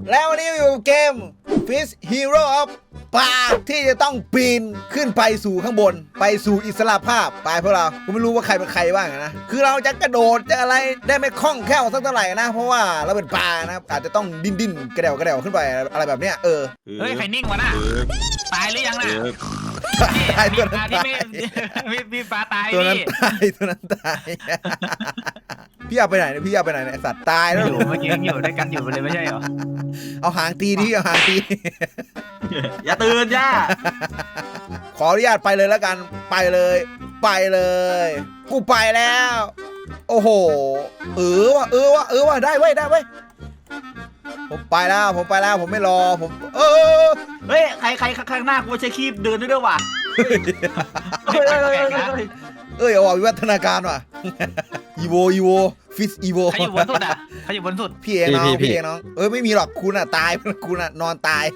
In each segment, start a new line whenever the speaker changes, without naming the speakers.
แล้ววันนี้อยู่เกม Fish Hero of ปลาที่จะต้องปีนขึ้นไปสู่ข้างบนไปสู่อิสระภาพไปพวกเราผมไม่รู้ว่าใครเป็นใครบ้างนะคือเราจะกระโดดจะอะไรได้ไม่คล่องแคล่วสักเท่าไหร่นะเพราะว่าเราเป็นปลานะอาจจะต้องดิ้นกระเดวขึ้นไปอะไรแบบเนี้ย
เฮ้ยใครนิ่งวะน่ะตายหรือยังน่ะ
ตายตัวนั้นตาย
พี่ปลาตาย
ตัวนั้นตายพี่เอาไปไหนเนี่ยพี่เอาไปไหนเนี่ยสัตว์ตายแล้ว
อยู่เมื่อกี้อยู่ด้วยกันอยู่เลยไม่ใช่เหรอ
เอาหางตีดิเอาหางตี
อย่าตื่นย่า
ขออนุญาตไปเลยแล้วกันไปเลยกูไปแล้วโอ้โหว่ะได้เว้ยผมไปแล้วผมไม่รอผม
เฮ้ยใครข้างหน้ากูใช้คีบเดินด้วยว่ะ
เอาวิวัฒนาการว่ะอีโวฟิสอีโว
ใครอยู่บนสุดอ่ะใครอยู่บนสุด
พี่เองน้องไม่มีหรอกคุณอ่ะตายคุณอ่ะนอนตาย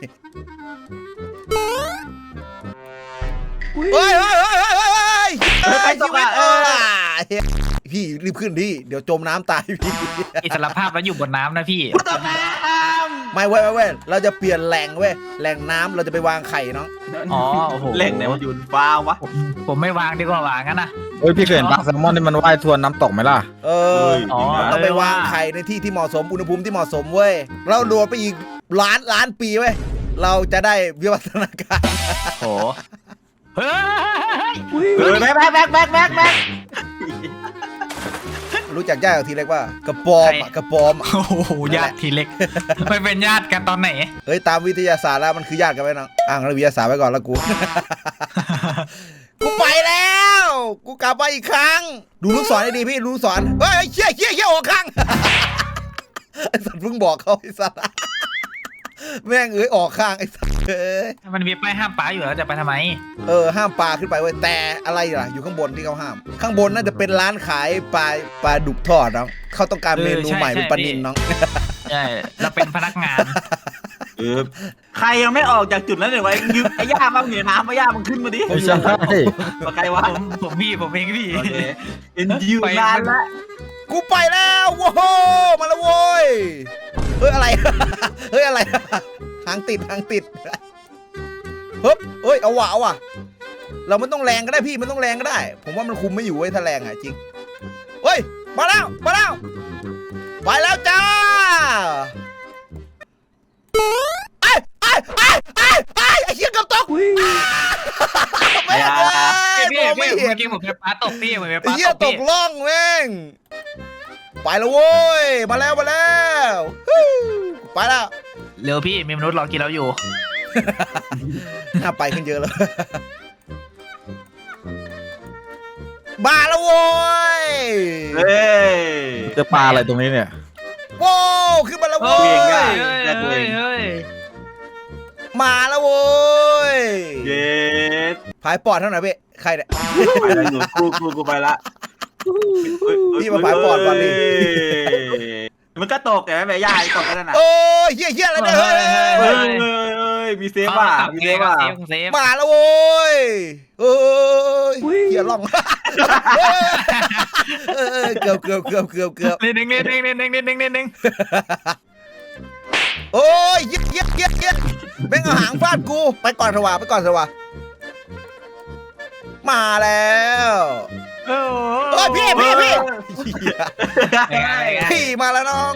เฮ้ย
ไปตกอ่ะ
พี่รีบขึ้นดิเดี๋ยวจมน้ำตายพี่
อิสระภาพแล้วอยู่บนน้ำนะพี่
ตกน้
ำไม่เว้ยเราจะเปลี่ยนแหล่งน้ำเราจะไปวางไข่น้อง
อ๋อโอ้โห
แหล่งไหนมันอยู่ฟ้าวะ
ผมไม่วางดีกว่าวางงั้นนะ
พี่เคยเห็นปลาแซลมอนที่มันว่ายทวนน้ำตกไหมล่ะ
ต้องไปวางไข่ในที่ที่เหมาะสมอุณหภูมิที่เหมาะสมเว้ยเราโดดไปอีกล้านปีเว้ยเราจะได้วิวัฒนาการ
โอ้เฮ้
ยแม็ก
รู้จักญาติทีเล็กว่ากระปอม
โอ้โหญาติทีเล็กไม่เป็นญาติกันตอนไหน
เฮ้ยตามวิทยาศาสตร์แล้วมันคือญาติกันไหมน้องอ้างวิทยาศาสตร์ไว้ก่อนแล้วกูไปแล้วกูกลับมาอีกครั้งดูลูกศรให้ดีพี่ดูลูกศรเฮ้ยเชี่ยออกข้างไอ้สัตว์เพิ่งบอกเขาไอ้สัตว์แม่งออกข้างไอ้สัตว์
มันมีป้ายห้ามปลาอยู่แล้วจะไปทำไม
ห้ามปลาขึ้นไปเว้ยแต่อะไรล่ะอยู่ข้างบนที่เขาห้ามข้างบนน่าจะเป็นร้านขายปลาดุกทอดน้องเขาต้องการเมนูใหม่เป็นปลานิลน้อง
ใช่เราเป็นพนักงาน
ใครยังไม่ออกจากจุดนั้นเลยวะยืมไอ้ย่าบ้างเหนียวน้ำไอ้ย่ามันขึ้นมาดิ
ไม่ใช่
ใครวะ
ผมเองพี่
เอ็นยืมนานละ
กูไปแล้วโว้โหมาแล้วโว้ยอะไรหางติดเอาว่ะเราไม่ต้องแรงก็ได้พี่มันต้องแรงก็ได้ผมว่ามันคุมไม่อยู่ไว้ถ้าแรงอ่ะจริงเฮ้ยมาแล้วไปแล้วจ้าไอ้เหี้ยกับตก
ไม่เมื่อกี้ผมเป็นปลาตกพี่ผมเป็นปลาตกพี่
เหี้ยตกล่องแม่งไปแล้วโว้ยมาแล้วไปแล้ว
เร็วพี่มีมนุษย์รอกินเราอยู่
น่าไปขึ้นเยอะเลยมาแล้วโว้ย
จะปลาอะไรตรงนี้เนี่ย
โว้ขึ้นมาแล้วโว้ยมาแล้วโว้ยพายปอดเท่าไหร่พี่ใครเนี่ย
ไปแล้วอยู่กูไปละ
พี่มาพายปอดก่อนดิ
มันก็ตกแต่ไม่ย่าตกกันนะ
โอ้ยเหี้ยอะไรเนี่ย
เฮ้ยมีเซฟว่ะ
มาแล้วโว้ยเหี้ยล่องเกือบ
นิดนึง
โอ้ยเหี้ยแม่งเอาหางฟาดกูไปก่อนสวะมาแล้วโอ้ยพี่มาแล้วน้อง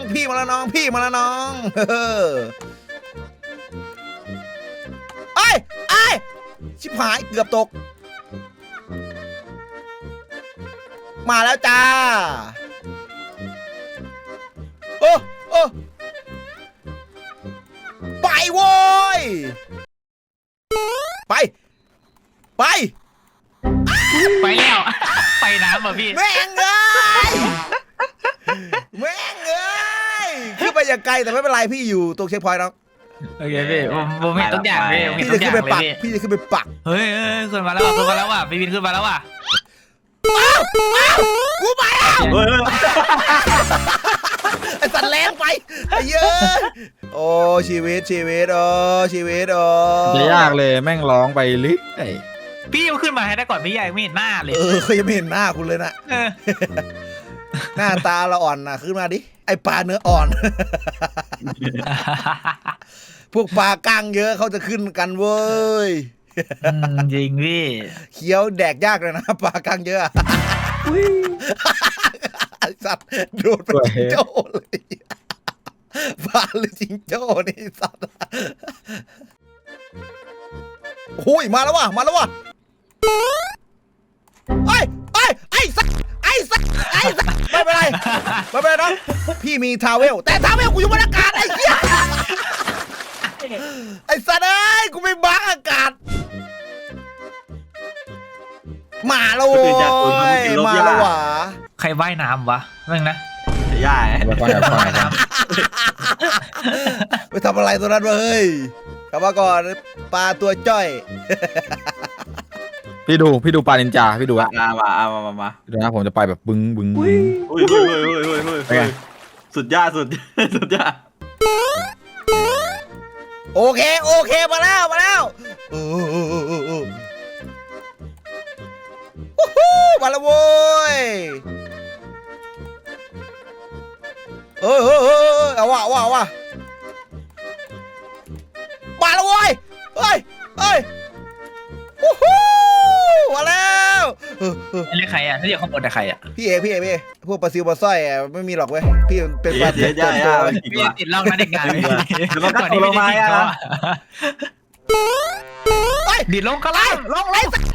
ไอ้ชิบหายเกือบตกมาแล้วจ้าโอ้ไปโว้ยไป
แล้วไปน้ำเหรอพี่
แม่งเอ้ยขึ้นไปอย่างไกลแต่ไม่เป็นไรพี่อยู่ตรงเช็คพอยต์น้อง
โอเคพี่ผมเห็นทุกอย่างพี่
จะขึ้นไปปัก
เฮ้ยขึ้นมาแล้วว่ะพี่บินขึ้นมาแล้วว่ะ
กูไปแล้วไอ้สัตว์แรงไปไอ้เยอะโอ้ชีวิตจะ
ยากเลยแม่งร้องไปลิ
พี่ยังขึ้นมาให้ได้ก่อนพี่ใหญ่ไม่เห็นหน้าเลย
เขายังไม่เห็นหน้าคุณเลยนะหน้าตาเราอ่อนนะขึ้นมาดิไอปลาเนื้ออ่อนพวกปลากางเยอะเขาจะขึ้นกันเว้ย
จริงพี่
เคี้ยวแดกยากเลยนะปลากางเยอะไอ้สัตว์โดดเป็นจิงโจ้เลยปลาหรือจิงโจ้นี่สัตว์โอ้ยมาแล้วว่ะไอ้สัตว์ไม่เป็นไรน้องพี่มีทาวเวลแต่ทาวเวลกูอยู่บนอากาศไอ้เหี้ยไอ้สัตว์เอ้ยกูไม่บังอากาศมาแล้วโว้ยมาแล้วหวะ
ใครว่ายน้ำวะเรื่องนะ
ย่า
ไปฟังครับ
ไปทำอะไรตัวนั้นวะเฮ้ยกลับมาก่อนปลาตัวจ้อย
พี่ดูปลานินจาพี่ดูอะ
มา
ดูนะผมจะไปแบบบึ้ง
อุ้ยสุดยอด
โอเคมาแล้วมาแล้วโว้ยเอาว่ะมาแล้วโว้ยเฮ้ยมาแล้ว
เรียกใครอ่ะถ้าเรียกข้างบนแต่ใครอ่ะ
พี่เอพวกปลาซิวปลาสร้อยไม่มีหรอกเว้ยพี่เป็นปลา
ย่า
พี่ติดล่องนั่นเด็กงานก่อนที่
ล
พี่
งมา
จะ
อ่ะ
ดิดลงก็ล่างลง
ไอ้สัตว์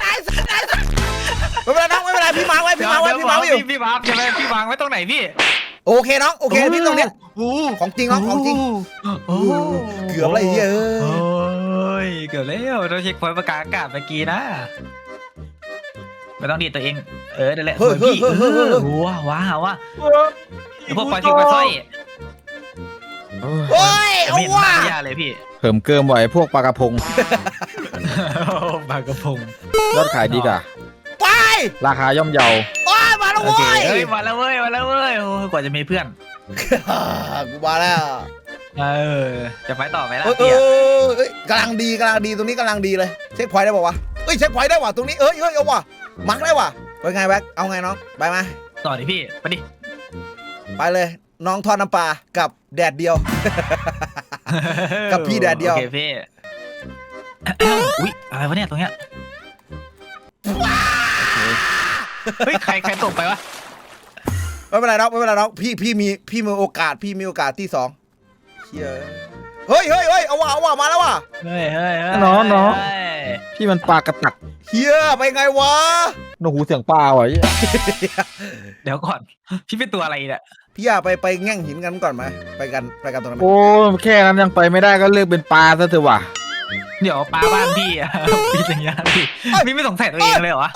ไม่เป็นไรน้องไม่เป็นไรพี่มาไว้พี่มาอยู่
พี่วางใช่ไหมพี่วางไว้ตรงไหนพี่
โอเคน้องโอเคพี่ตรงเนี้ยของจริงน้องของจริงเกือบอะไรเยอะ
โอ้ยเกือบแล้วเราเช็คพอยต์ประกาศอากาศเมื่อกี้นะไม่ต้องดีดตัวเองนั่นแหละพี่ว้าวพวกปลาซิวปลาสร้อย
โอ้ยเอา
ไม่เห็น
ว่ะ
น้ำยาเลยพี่
เพิ่มเกิมไว้พวกปลากระพง
ปลากระพง
ยอดขายดีกว่า
ไป
ราคาย่อมเยา
โอ้ยมาแล้ว
โอ
เว้
เค
ย
มาแล้วเว้ยโอ้กว่าจะมีเพื่อน
กูมาแล้ว
จะไปต่อไหมล่ะ
เอ้ยกำลังดีตรงนี้กำลังดีเลยเช็คพอยต์ได้ป่าวะเช็คพอยต์ได้ว่ะตรงนี้เอาว่ะมักได้ว่ะเป็นไงแบ็คเอาไงน้องไปไหม
ต่อดิพี่ไปดิ
ไปเลยน้องทอดน้ำปลากับแดดเดียว กับพี่แดดเดียว
โอเคพี่อุ๊ยอะไรวะเนี่ยตรงเนี้ยเฮ้ยใครตกไปวะ
ไม่เป็นไรน้องพี่มีโอกาสที่2เฮ้ยเอาว่ะมาแล้วว่ะ
เฮ้ย
น้องพี่มันปลากระตัก
เฮียไปไงวะ
โอ้โหเสียงปลาว่ะ
เดี๋ยวก่อนพี่เป็นตัวอะไรเนี่ย
พี่อยากไปแง่งหินกันก่อนไหมไปกันตรงนั้นไหม
โอ้แค่นั้นยังไปไม่ได้ก็เลือกเป็นปลาซะเถอะว่ะ
เดี๋ยวปลาบ้านพี่อะพี่สัญญาพี่ไม่สงสัยตัวเองเลยเหรอวะ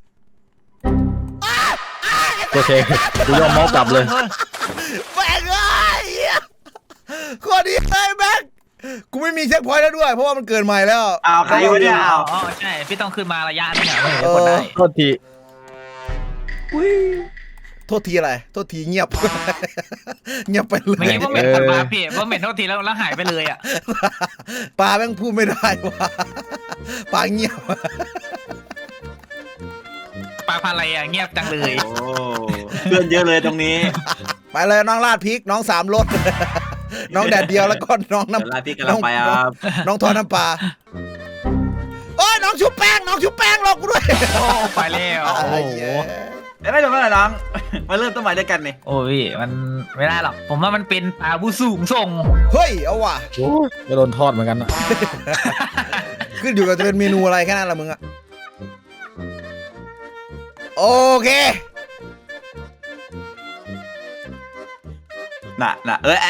โอเคกูยอมเมากลับเลย
แม่งเอ้ยข้อดีเลยแม่งกูไม่มีเช็คพอยต์แล้วด้วยเพราะว่ามันเกินใหม่แล้ว
เอาใครวะเนี่ยเอา
อ๋อใช่พี่ต้องขึ้นมาระยะนึงอะไม่เห็นจะกดได้
โทษที
โทษทีอะไรโทษทีเงียบ เงียบไปเล
เมื่อย กี้ว่าเหม็นคนมาพี่ว่าเหม็นโทษทีแล้วหายไปเลยอ่ะ
ปลาแม่งพูดไม่ได้ว่ะปลาเงียบ
ปลาพันอะไรอ่ะเงียบจังเลย
โอ้เพื่อนเยอะเลยตรงนี้
ไปเลยน้องลาดพริกน้อง3 รส น้องแดดเดียวแล้วก็น้องน้ำ
เดี๋ยวลาพี่กำลังไปครับ
น้องทอดน้ำปลาโอ้ยน้องชุบแป้งรอกูด้วย
โอ้ไปแล้วโอ้โห
ไม่จบแล้วเหรอน้องมาเริ่มต้นใหม่ด้วยกันนี่
โอ้ยมันไม่ได้หรอกผมว่ามันเป็นปลาผู้สูงส่ง
เฮ้ยเอาว่ะ
โอ้ยจะโดนทอดเหมือนกันนะ
ขึ้นอยู่กับจะเป็นเมนูอะไรแค่นั้นละมึงอะโอเค
น่ะเอ้ย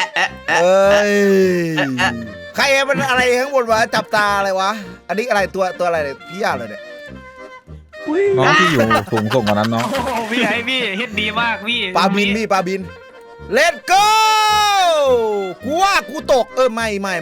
ใครมันอะไรข้างบนวะจับตาอะไรวะอันนี้อะไรตัวอะไรเนี่ยพี่ยาเลยเนี่ย
น้องที่อยู่สูงส่งกว่านั้นน้อง
โอ้โหพี่ไอพี่เฮ็ดดีมากพี่
ปลาบิน Let's go กูว่ากูตกไม่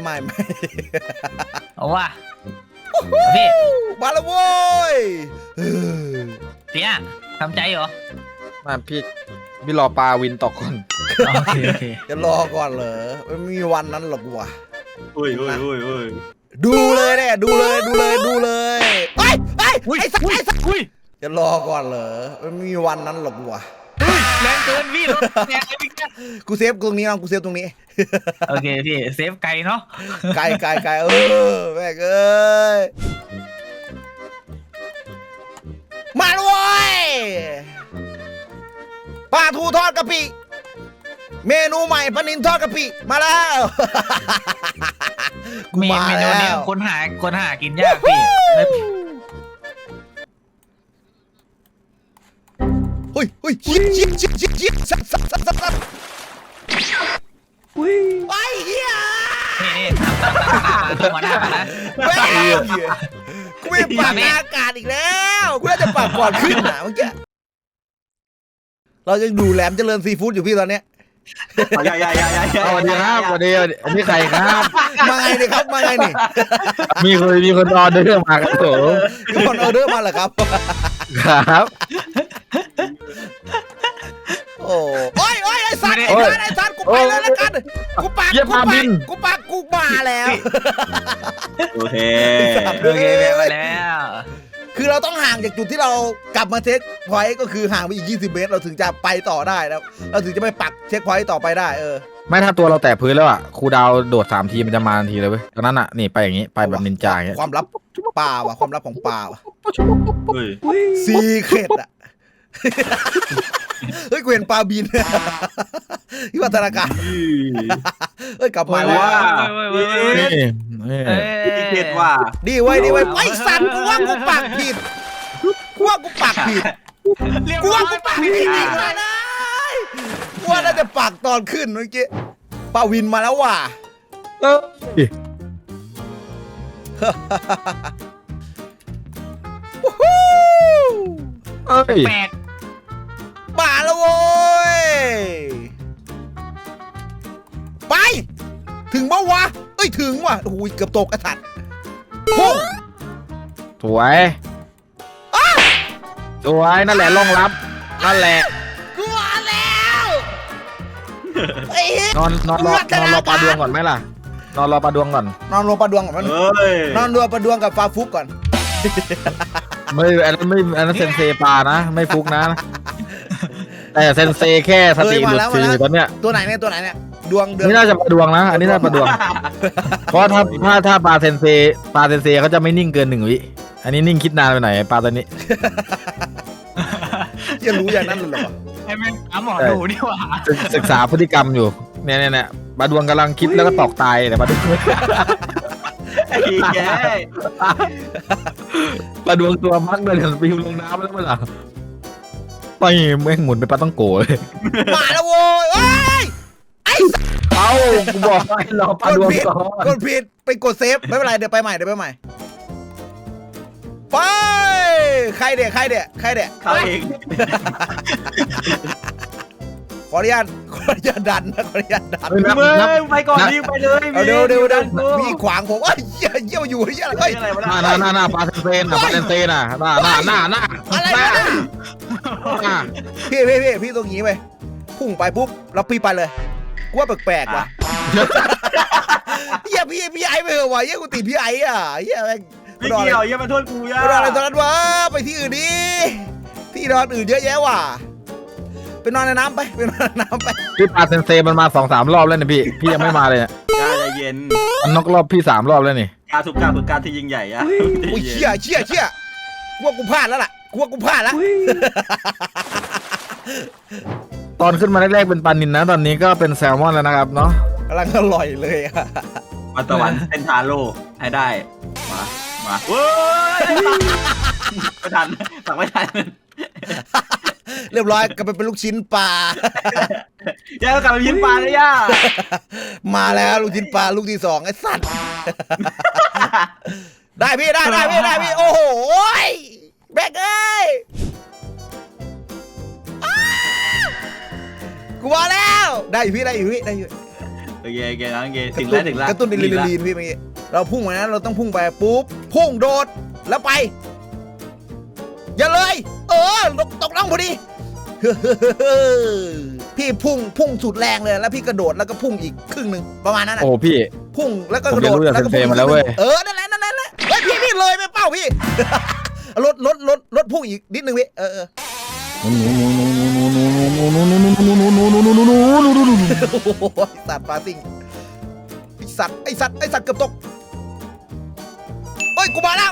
เอาว่ะพี่
มาแล้วโว้ย
เนี่ยทำใจเหรอ
มาพี่รอปลาวินตกก่อน
โอเค
จะรอก่อนเหรอไม่มีวันนั้นหรอกว่ะ
อุ้ย
ดูเลยเนี่ยดูเลยไอ้สัก
อุ้ย
จะรอก่อนเหรอไม่มีวันนั้นหรอกว่ะ
แรงเกินพี่รถแรงเลยพี่แก
กูเซฟตรงนี้น้องกูเซฟตรงนี้
โอเคพี่เซฟไกลเนาะ
ไกลแม่งเอ้ยมาเลยเว้ยปลาทูทอดกะปิเมนูใหม่ปลานิลทอดกะปิมาแล้วกู
มี
มา
เมนู
แล้
นี้
ว
คนหากินยากพี่
เฮ้ยชิบสับไอ้เหี้ย
นี่ตั้งหัวหน้านะ
แม่งกูไม่ปากอากาศอีกแล้วกูน่าจะปากก่อนขึ้นอ่ะเมื่อกี้เรายังดูแหลมเจริญซีฟู้ดอยู่พี่ตอนเนี้ย
อย่า
สวัสดีครับสวัสดีอันนี้ใครครับ
มาไงเนี่ยครับมาไงนี่
มีคนออเดอร์มาครับผม
มีคนออเดอร์มาเหรอครับ
ครับ
โอ้ยไอ้สัตว์ไอ้สัตว์กูไปเลยแล้วกันกูปากกูมาแล้ว
โอเค
โอเคมาแล้ว
คือเราต้องห่างจากจุดที่เรากลับมาเช็คพอยต์ก็คือห่างไปอีก20 เมตรเราถึงจะไปต่อได้แล้วเราถึงจะไปปักเช็คพอยต์ต่อไปได้
ไม่ถ้าตัวเราแตะพื้นแล้วอ่ะครูดาวโดด3 ทีมันจะมาทันทีเลยเว้ยตอนนั้นอ่ะนี่ไปอย่างงี้ไปแบบนินจาอย่างเงี้ย
ความลับป่าว่ะความลับของป่าว่ะ
เฮ้ย
ซีเคร็ดอ่ะเฮ้ยกูเห็นปลาบินที่วัฒนาการเฮ้ยกลับมาแล้ว
นี่
พี่เกดว่า
ดีไว้ไอ้สัตว์กูว่ากูปากผิดกูว่ากูปากผิดกูว่าน่าจะปากตอนขึ้นเมื่อกี้ปลาวินมาแล้วว่ะ
เอ้ย
แปลก
มาแล้วโว้ยไปถึงปะวะเอ้ยถึงว่ะโอ้ยเกือบตกกระถัดพุ่ง
สวยสวยนั่นแหละล่องรับนั่นแหละ
กูมาแล้วไอ้เหี้ย
นอนรอปลาดวงก่อนไหมล่ะนอนรอปลาดวงก่อน
นอนรวมปลาดวงก่อนมัน
เฮ้ย
นอนรวมปลาดวงกับฟาฟุกก่อน
ไม่อันนั้นเซนเซปลานะไม่ฟุกนะแต่เซนเซแค่สติหลุดฟรีตอนเนี้ย
ตัวไหนเนี่ยดวงเดือน
นี่น่าจะปลาดวงนะอันนี้น่าปลาดวงเพราะถ้าปลาเซนเซเขาจะไม่นิ่งเกิน1 วิอันนี้นิ่งคิดนานไปหน่อยปลาตัวนี้
จะรู้อย่างนั้นเลยเหรอ
ให้แม่งหาหมอดูดีกว่า
ศึกษาพฤติกรรมอยู่เนี่ยปลาดวงกำลังคิดแล้วก็ตอกตายแต่ปลาดวง
ไอ้แก
ปลาดวงตัวมักเลยปิวลงน้ำแล้วมั้งล่ะไปแม่งหมุนไปปลาต้องโกเลย
มาแล้วโว้ยเอ้ยไอ้
เอ้ากูบอกให้รอปลาดวงก่อน
กดผิดไปกดเซฟไม่เป็นไรเดี๋ยวไปใหม่ไปใครเด็ก
เขาเอง
ขออนุญาตดันนะขออนุญาตดัน
มึงไปก่อนดิไปเลย
เอาเดี๋ยวพี่ขวางผมเยี่ยอยู่เยี่ยอะไร
อะไรวะ
หน้าปลาเซนเซน่ะปลาเซนเซน่ะหน้า
อะไรวะพี่ตรงนี้ไปพุ่งไปปุ๊บแล้วพี่ไปเลยกูว่าแปลกๆว่ะเยี่ยพี่ไอ้ไปเหรอวะเยี่ยกูติดพี่ไอ้อ่ะเยี่ยแม่ง
ไม่เกี่ยวอย่ามาโทษกูย่า
ไปนอนอะไรตอนนั้นวะไปที่อื่นดิที่นอนอื่นเยอะแยะว่ะไปนอนในน้ำไป
พี่ปลาเซนเซมันมา2-3 รอบแล้วเนี่ยพี่ยังไม่มาเลยเนี่ย
ย่าใจเย็น
มันนกรอบพี่3 รอบแล้วนี่
การทุกการฝึกการที่ยิ่งใหญ่อะ
โอ้ยเชี่ยกูว่ากูพลาดแล้วล่ะแล้ว
ตอนขึ้นมาแรกๆเป็นปลานิลนะตอนนี้ก็เป็นแซลมอนแล้วนะครับเนาะ
กำลังอร่อยเลยอะ
วันตะวันเส้นทาโร่ให้ได้มาเว้ยไม่ทันสั่งไม่ทัน
เรียบร้อยกลับไปเป็นลูกชิ้นปลา
ย่ากลับไปยินปลาเลยย่า
มาแล้วลูกชิ้นปลาลูกที่2ไอ้สัตว์ได้พี่โอ้โหแบกเอ้ยกูมาแล้วได้อยู่
โอเคน้องเกถึงแล้ว
กระตุ้นอะดรีนาลีนพี่เมื่อกี้เราพุ่งมานะเราต้องพุ่งไปปุ๊บพุ่งโดดแล้วไปอย่าเลยตกล่องพอดีพี่พุ่งสุดแรงเลยแล้วพี่กระโดดแล้วก็พุ่งอีกครึ่งหนึ่งประมาณนั้นนะ
โอ้พี่
พุ่งแล้วก็กระโดด
ผมเรียนรู้จาก
แล้วก็พุ่ง
เซนเซมาแล้วเว้ย
นั่นแหละเฮ้ยพี่เลยไม่เป้าพี่ รถพุ่งอีกนิดนึงพี่
หนู
โอ้โหสัตว์ปลาซิ่งไอสัตว์เกือบตกเฮ้ยกูมาแล้ว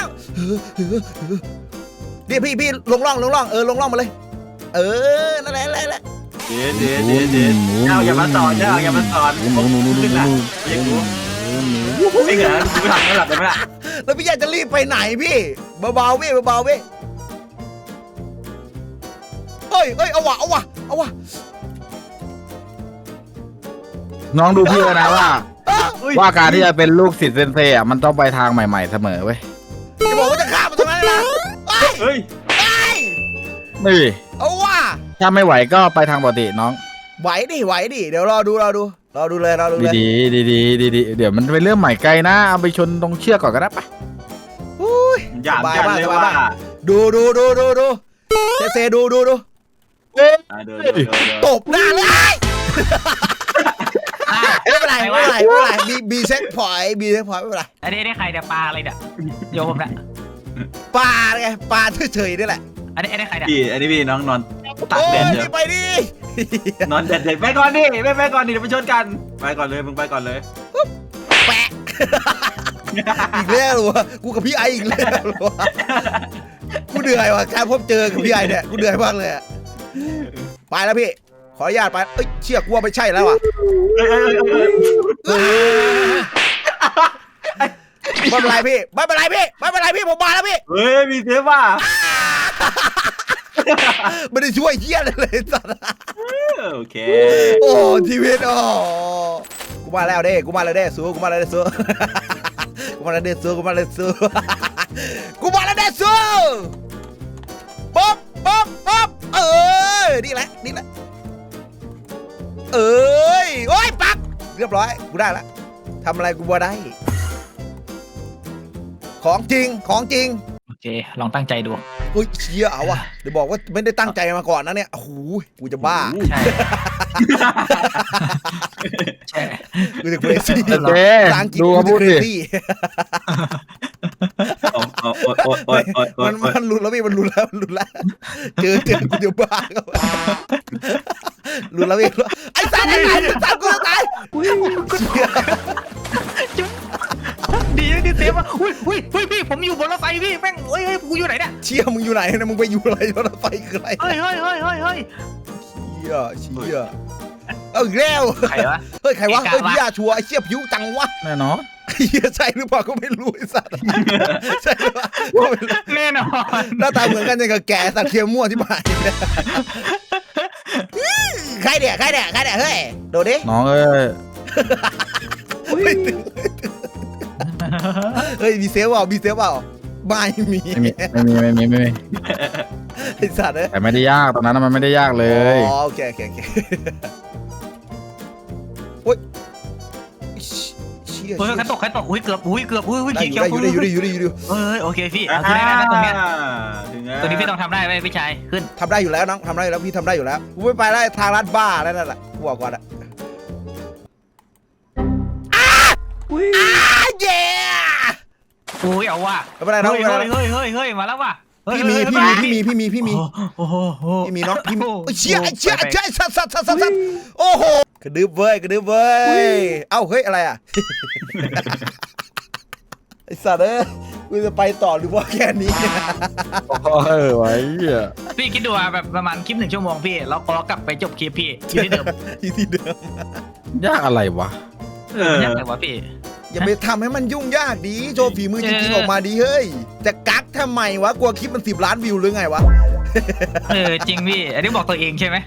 เดี๋ยวพี่ลงร่องลงร่องมาเลยนั่นแหละ
เดี๋ยวอย่ามาสอนอย่ามาสอนขึ้นละอย่ากูไม่เหรอกูทำไม่หลับเลยไหมล่ะ
แล้วพี่อยากจะรีบไปไหนพี่เบาๆพี่เฮ้ยเอาวะ
น้องดูพี่นะว่าการที่จะเป็นลูกศิษย์เซนเซ่อะมันต้องไปทางใหม่ๆเสมอเว้ย
จะบอกว่าจะข้ามมาตรงนั้นนะเฮ้ย
นี่
เอาวะ
ถ้าไม่ไหวก็ไปทางปกติน้อง
ไหวดิเดี๋ยวรอดูเลย
ดีเดี๋ยวมันเป็นเรื่องใหม่ไกลนะเอาไปชนตรงเชือกก่อนก็ได้ปะ
อุ้ย
อยากกันเลยว่า
ดูเซดู ตบหน้าเลยไม่เป็นไรบีเซ็กพอยต์ไม่เป็นไร
อันนี้ได้ใครเนี่ยปลาอะไรเนี่ยโยมเนี่ย
ปลาไงปลาเฉยๆนี่แหละ
อันนี้ใครเนี่ย
อันนี้พี่น้องนอนตัก
โอ้
แดด
ย
เดี๋ยว
ไปดิ
นอนแดดไปก่อนดิไม่ไปก่อนดิเดี๋ยวไปชนกันไปก่อนเลยมึงไปก่อนเลย
แปะอีกแล้วเหรอกูกับพี่ไออีกแล้วเหรอกูเหนื่อยว่ะการพบเจอกับพี่ไอเนี่ยกูเหนื่อยมากเลยไปแล้วพี่ขออนุญาตไปเชี่ยกูว่าไม่ใช่แล้วว่ะไม่เป็นไรพี่ผมมาแล้วพี่
เฮ้ยมีเทปว่ะ
ไม่ได้ช่วยเหี้ยเลยสัตว์
โอเค
โอ้ชีวิตกูมาแล้วเด้สู้กูมาแล้วเด้สู้ป๊อบนี่แหละโอ้ยปักเรียบร้อยกูได้ละทำอะไรกูบ่ได้ของจริง
โอเคลองตั้งใจดู
เฮ้ยเชี่ยเอาว่ะเดี๋ยวบอกว่าไม่ได้ตั้งใจมาก่อนนะเนี่ยโอ้โหกูจะบ้า
ใช่ใช่
กูจะ crazy
เจ๊
ภาษาอังกฤษ
ดู
กู
เขา
จะ
พูดดิ
crazy มันรุนแล้วพี่มันรุนแล้วเจอกูจะบ้าครับรุนแล้วพี่ไอ้สัตว์กูจะตาย
ดีที่เซฟอ่ะอุ้ยพี่ผมอยู่บนรถไฟพี่แม่งกูอยู่ไหนเนี่ย
เชี่ยมึงอยู่ไหนนะมึงไปอยู่อะไรรถไฟคืออะไร
เฮ้ย
เชี่ยเอาอีกแล้ว
ใครวะ
เฮ้ยใครวะเฮ้ยพี่ยาชัวร์ไอ้เชี่ยผิวจังวะ
แน่นอน
เฮียใช่หรือเปล่าก็ไม่รู้ไอ้สัตว์ใช่หรือเปล่า
แน่นอน
หน้าตาเหมือนกันยังกับแกสัตว์เทียมมั่วที่บ้านใครเนี่ยเฮ้ยโดดดิ
น้องเอ้ย
เฮ้ยมีเซฟเปล่าไม่มี
ไม่มี
ไอ้สัตว์เลย
แต่ไม่ได้ยากตอนนั้นมันไม่ได้ยากเลย
อ๋อโอเคโอ้ยเชี่ย
ใครตกอุ้ยเกือบ
ได้อยู่
โอเคพี่เอาขึ้นได้นะตรงเนี้ย
ถึงแล้ว
ตัวนี้พี่ต้องทำได้ไหมพี่ชายขึ้น
ทำได้อยู่แล้วน้องทำได้อยู่แล้วพี่ทำได้อยู่แล้วกูไม่ไปแล้วทางลัดบ้าแล้วนั่นแหละกูบอกก่อนอะเย้
อุ้ยเอาว่ะ
ไม่เป็นไรน้อง
เฮ้ยมาแล้วว่ะ
พี่มีน้องพี่มี
โอ้โห
เชี่ยสัตว์โอ้โหกระดึบเว้ยเอ้าเฮ้ยอะไรอ่ะไอสัตว์กูจะไปต่อหรือว่าแค่นี้
ไว้เหี้ย
พี่คิดดูแบบประมาณคลิป1 ชั่วโมงพี่แล้วก็กลับไปจบคลิปพี่ที่เดิม
ที่เดิม
ยากอะไรวะ
มันยากเลยวะพี่
อย่าไปทำให้มันยุ่งยากดีโชว์ฝีมือจริงๆออกมาดีเฮ้ยจะกักทำไมวะกลัวคลิปมัน10 ล้านวิวหรือไงวะ
จริงพี่อันนี้บอกตัวเองใช่ไหม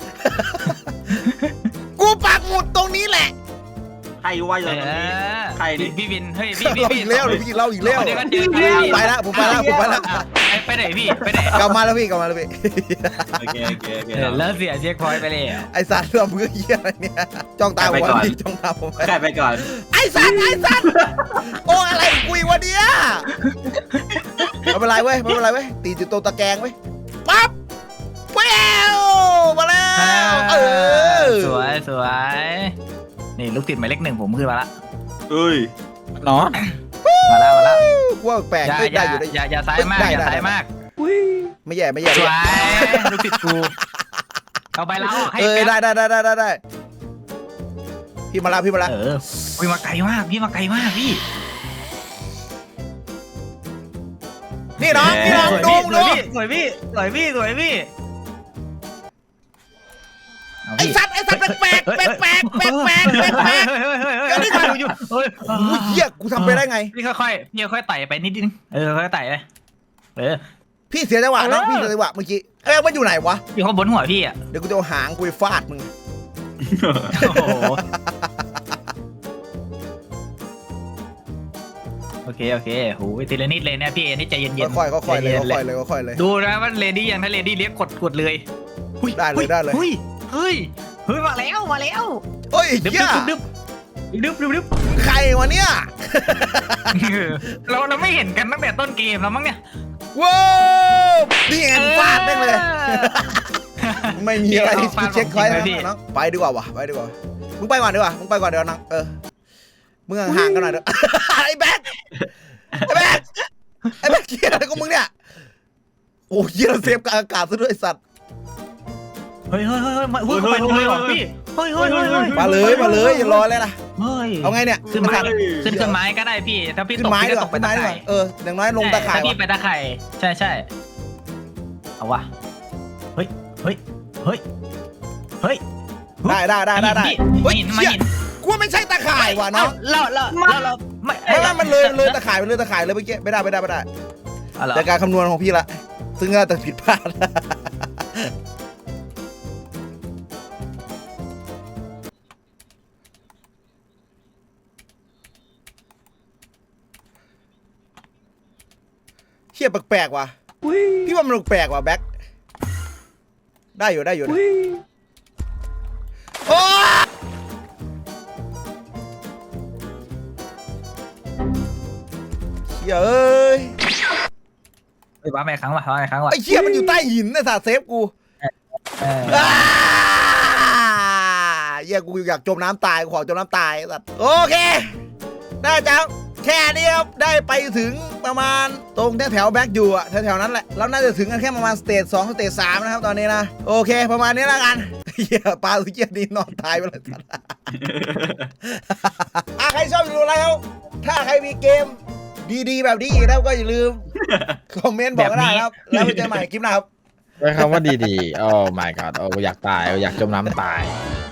กูปักหมุดตรงนี้แหละ
ใครว่าอยู่ตรงนี้ใครดิ
พี่วินเฮ้ย
เราอีกแล้วเราอีกแล้ว
เดี๋ยวกันเจอ
ไปแล้วผมไปแล้ว
ไปไหนพี่ไปไหน
กลับมาแล้วพี่
โอเค
แล้วเสียเช็คพอยต์ไปเลย
ไอสัตว์เราเพื่อเหี้ยอะไรเนี่ยจ้องตาผมจ้องตาผม
ใครไปก่อน
ไอสัตว์โอ้อะไรกุยวะเนี่ยไม่เป็นไรเว้ยตีจุดโตตะแกงเว้ยปั๊บแววมาแล้ว
สวยนี่ลูกติดหมายเลข 1ผมขึ้นมาละ
เอ้ย
น้อง
มาแล้ว
ว่าแปลกได้อยู่ได้
อย่าซ้ายมาก
ไม่แย่
สวยลูกติดกูเอาไปแล้วให้
ได้พี่มาแล้วพี่
มาไกลมากพี่มาไกลมากพี่
นี่น้องดู
สวยพี่
ไอ้สัตว์แปลกก็ได้กันอยู่เหี้ยกูทำไปได้ไง
พี่ค่อยไต่ไปนิดนึงค่อยไต่ไป
พี่เสียจังหวะน้องพี่เสียจังหวะเมื่อกี้มันอยู่ไหนวะ
อยู่ข้างบนหัวพี่อ่ะ
เดี๋ยวกูจะเอาหางกูไปฟาดมึง
โอเคโหทีละนิดเลยเนี่ยพี่นี่ใจเย็นๆ
ค่อยๆเลย
ดูนะว่าเลดี้ยังถ้าเลดี้เรียกกดเลย
ได้เลย
เฮ้ยมาแล้ว
เฮ้ย
ดึบ
ใครวะเนี่ย
เราไม่เห็นกันตั้งแต่ต้นเกมแล้วมั้งเนี่ย
ว้าวนี่ไงฟาดได้เลยไม่มีอะไรที่เช็คคอยน้องไปดีกว่าวะมึงไปก่อนดีกว่าน้องมึงห่างกันหน่อยเด้อไอ้แบ๊กเกียร์อะไรของมึงเนี่ยโอ้ยเราเซฟกับอากาศซะด้วยสัตว์
เฮ้ยไปลงเลยเหรอพี่เฮ้ย
มาเลยอย่ารอเลยนะ
เฮ้ย
เอาไงเนี่ย
ขึ้นไม้ก็ได้พี่ถ้าพี่ตกพี่ก็ตกไปตะไคร่
อย่างน้อยลงตะไคร่
ถ้าพี่ไปตะไคร่ใช่เอาวะเฮ้ย
ได้
ไม่เห็น
กูไม่ใช่ตะข่ายว่ะน้อง
เรา
ไม่มันเลยตะข่ายเลยเมื่อกี้ไม่ได้แต่การคำนวณของพี่ละซึ่งน่าจะผิดพลาดเฮียแปลกๆว่ะพี่ว่ามันแปลกว่ะแบ็คได้อยู่โอ้เหี้ยเอ้ย
ว้าแม่ครั้งว่ะ
ไอ้เหี้ยมันอยู่ใต้หินนะสาเซฟกูเหี้ยกูอยากจมน้ำตายกูขอจมน้ำตายสัตว์โอเคได้จ้าแค่นี้ครับได้ไปถึงประมาณตรงแถวแบ็กอยู่อะแถวนั้นแหละเราน่าจะถึงกันแค่ประมาณสเตจ2สเตจ3นะครับตอนนี้นะโอเคประมาณนี้แล้วกันเหี้ยปลาสุกี้ดีนอนตายไปเลยสัตว์ใครชอบดูอะไรครับถ้าใครมีเกมดีๆแบบนี้อีกแล้วก็อย่าลืมคอมเมนต์บอกก็ได้ครับแล้วไปเจอใหม่คลิปหน้าครับ
ใช้คำว่าดีๆโอ้ my god อยากตายอยากจมน้ำตาย